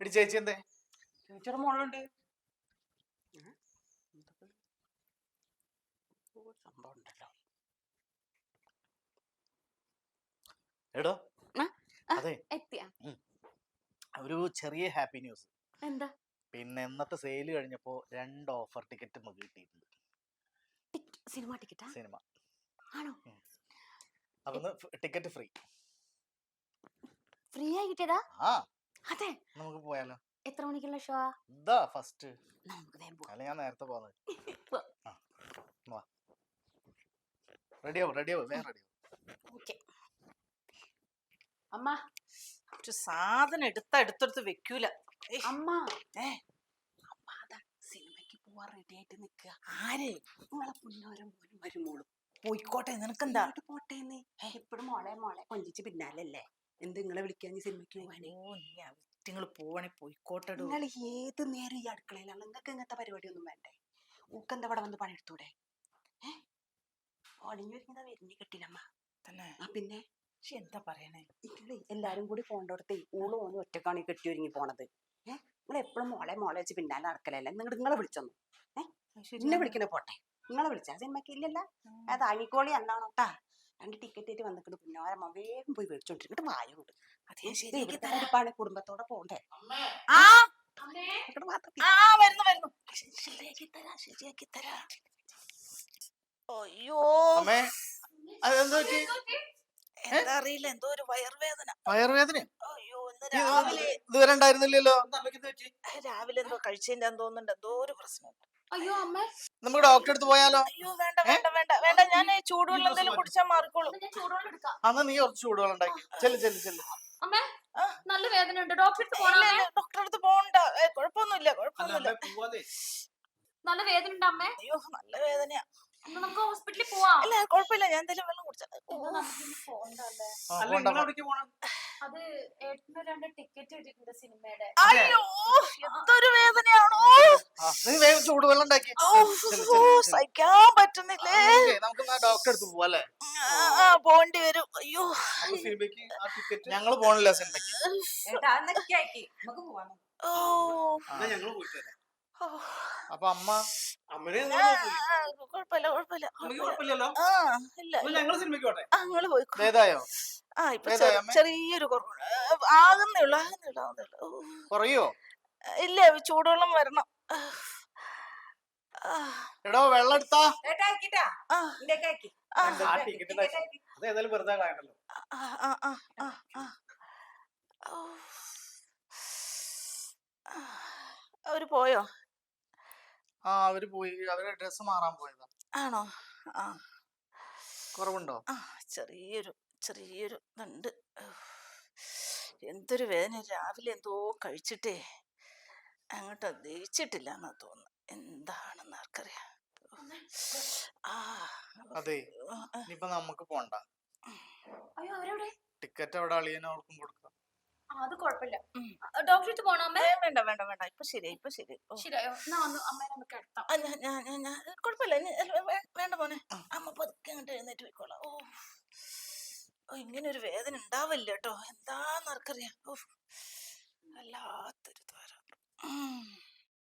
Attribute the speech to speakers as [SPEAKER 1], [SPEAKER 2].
[SPEAKER 1] എടി ചേച്ചി എന്തേ?
[SPEAKER 2] ചേച്ചിയുടെ മോളുണ്ട്. സംഭവം ഉണ്ടല്ലോ.
[SPEAKER 1] എടോ അതെ ഒരു ചെറിയ ഹാപ്പി ന്യൂസ്.
[SPEAKER 3] എന്താ?
[SPEAKER 1] പിന്നെ ഇന്നത്തെ സെയിൽ കഴിഞ്ഞപ്പോ 2 ഓഫർ ടിക്കറ്റ് നമുക്ക് കിട്ടിയിട്ടുണ്ട്.
[SPEAKER 3] സിനിമ ടിക്കറ്റാ?
[SPEAKER 1] സിനിമ
[SPEAKER 3] ആണോ?
[SPEAKER 1] അപ്പൊ ടിക്കറ്റ് ഫ്രീ.
[SPEAKER 3] ഫ്രീ ആയി കിട്ടിയതാ?
[SPEAKER 1] ആ
[SPEAKER 3] അതെ.
[SPEAKER 1] നമുക്ക് പോയാലോ?
[SPEAKER 3] എത്ര മണിക്കുള്ള ഷോ?
[SPEAKER 1] ഇതാ ഫസ്റ്റ്.
[SPEAKER 3] നമുക്ക് വേഗം പോവാം.
[SPEAKER 1] അല്ല ഞാൻ നേരത്തെ പോകുന്നത്. റെഡിയാവും വേഗം റെഡിയാവും.
[SPEAKER 3] ഓക്കേ.
[SPEAKER 2] അമ്മ ഒരു സാധനം എടുത്തെടുത്ത് വെക്കൂല.
[SPEAKER 3] അമ്മ
[SPEAKER 2] അമ്മ അതാ സിനിമയ്ക്ക് പോവാൻ റെഡി ആയിട്ട് നിക്കുക. ആര്? നിങ്ങളെ പുന്നോരം പോലും വരുമോളും. പോയിക്കോട്ടെ, നിനക്കെന്താ? പോട്ടേന്ന് എപ്പോഴും മോളെ കൊഞ്ചിച്ച് പിന്നാലല്ലേ. എന്ത് നിങ്ങളെ വിളിക്കാൻ സിനിമയ്ക്ക് പോവാനേ? നിങ്ങൾ പോവാണെ പോയിക്കോട്ടെ. നിങ്ങൾ ഏത് നേരം ഈ അടുക്കളയിലാണ്? നിങ്ങൾക്ക് ഇങ്ങനത്തെ പരിപാടിയൊന്നും വേണ്ടേ? ഊക്കെന്താ ഇവിടെ വന്ന് പണിയെടുത്തൂടെ? ഒളിഞ്ഞൊരുങ്ങി വരുന്നേ കിട്ടില്ലമ്മ തന്നെ. പിന്നെ എന്താ പറയണേ? എല്ലാരും കൂടി പോണ്ടോടത്തേ ഊള് പോന്ന് ഒറ്റക്കാണി കെട്ടി ഒരുങ്ങി പോണത്. നിങ്ങൾ എപ്പോഴും മോളെ വെച്ച് പിന്നാലെ നടക്കലല്ലേ. നിങ്ങളെ വിളിച്ചൊന്നു എന്നെ വിളിക്കണേ പോട്ടെ. നിങ്ങളെ വിളിച്ചാ സിനിമയ്ക്ക് ഇല്ലല്ല. അത് അഴിക്കോളി അല്ലാണോട്ടാ. 2 ടിക്കറ്റ് ആയിട്ട് വന്നിട്ട് പിന്നോരമ്മ വേഗം പോയി മേടിച്ചോണ്ടിരിക്കട്ട് വായുണ്ട്. അതേ കുടുംബത്തോടെ പോണ്ടേ. ശരിയാക്കി തരാ. അയ്യോ എന്താ അറിയില്ല, എന്തോ ഒരു വയറുവേദന. അയ്യോ
[SPEAKER 1] ഇതുവരെ ഉണ്ടായിരുന്നില്ലല്ലോ.
[SPEAKER 2] രാവിലെ എന്തോ കഴിച്ചതിന്റെ തോന്നുന്നുണ്ട്. എന്തോ ഒരു പ്രശ്നം.
[SPEAKER 3] അയ്യോ അമ്മ,
[SPEAKER 1] നമുക്ക് ഡോക്ടറെ അടുത്ത് പോയാലോ?
[SPEAKER 2] അയ്യോ വേണ്ട. ഞാൻ ചൂടുവെള്ളം എന്തെങ്കിലും കുടിച്ചാൽ മാറിക്കോളൂ.
[SPEAKER 1] അന്ന് നീ കുറച്ച് ചൂടുവെള്ളം ഉണ്ടാക്കി. ചെല്ല്.
[SPEAKER 3] അമ്മ നല്ല വേദന ഉണ്ട്. ഡോക്ടറെ
[SPEAKER 2] അടുത്ത് പോകണ്ട. കുഴപ്പമൊന്നുമില്ല.
[SPEAKER 3] നല്ല വേദന ഉണ്ട് അമ്മേ.
[SPEAKER 2] അയ്യോ നല്ല വേദനയാ.
[SPEAKER 3] നമുക്ക് ഹോസ്പിറ്റലിൽ പോവാം.
[SPEAKER 2] അല്ല കുഴപ്പമില്ല, ഞാൻ എന്തെങ്കിലും വെള്ളം കുടിച്ചാ.
[SPEAKER 3] അത് ഏട്ടന് 2 ടിക്കറ്റ് കിട്ടിയിട്ടുണ്ട് സിനിമയുടെ.
[SPEAKER 2] അയ്യോ എന്തൊരു വേദനയാണോ.
[SPEAKER 1] നീ വേഗം ചൂടുവെള്ളം ഉണ്ടാക്കി.
[SPEAKER 2] സഹിക്കാൻ പറ്റുന്നില്ലേ.
[SPEAKER 1] നമുക്ക് ഡോക്ടറെ അടുത്ത് പോവാല്ലേ?
[SPEAKER 2] പോണ്ടി വരും. അയ്യോ
[SPEAKER 1] ഞങ്ങള് പോണില്ല സിനിമയ്ക്ക്. അപ്പൊ
[SPEAKER 2] ഏതായോ? ചെറിയൊരു ആകുന്നേയുള്ളൂ.
[SPEAKER 1] കുറയോ?
[SPEAKER 2] ഇല്ല, ചൂടുവെള്ളം വരണം.
[SPEAKER 1] എടോ വെള്ളം എടുത്താ.
[SPEAKER 2] അവര് പോയോ?
[SPEAKER 1] അവര് പോയി. അവര് ഡ്രസ് മാറാൻ പോയതാ.
[SPEAKER 2] ആണോ?
[SPEAKER 1] കുറവുണ്ടോ?
[SPEAKER 2] ചെറിയൊരു ഇതുണ്ട്. എന്തൊരു വേദന. രാവിലെ എന്തോ കഴിച്ചിട്ടേ അങ്ങോട്ട് ദഹിച്ചിട്ടില്ല എന്നാ തോന്നുന്നു. എന്താണെന്ന് ആർക്കറിയാം.
[SPEAKER 1] അതെ, ഇനിയിപ്പൊ നമുക്ക് പോണ്ട. ടിക്കറ്റ് അവിടെ അളിയനും അവർക്കും കൊടുക്കാം.
[SPEAKER 3] അത് കുഴപ്പമില്ല. ഡോക്ടറെ അടുത്ത് പോണോ അമ്മേ?
[SPEAKER 2] വേണ്ട. ഇപ്പൊ ശരിയായോ? കുഴപ്പമില്ല. വേണ്ട മോനെ. അമ്മ പതുക്കെ അങ്ങോട്ട് എഴുന്നേറ്റ് പോയിക്കോളാം. ഇങ്ങനെ ഒരു വേദന ഉണ്ടാവില്ല കേട്ടോ. എന്താന്ന് ആർക്കറിയാം. വല്ലാത്തൊരു ദ്വാരം.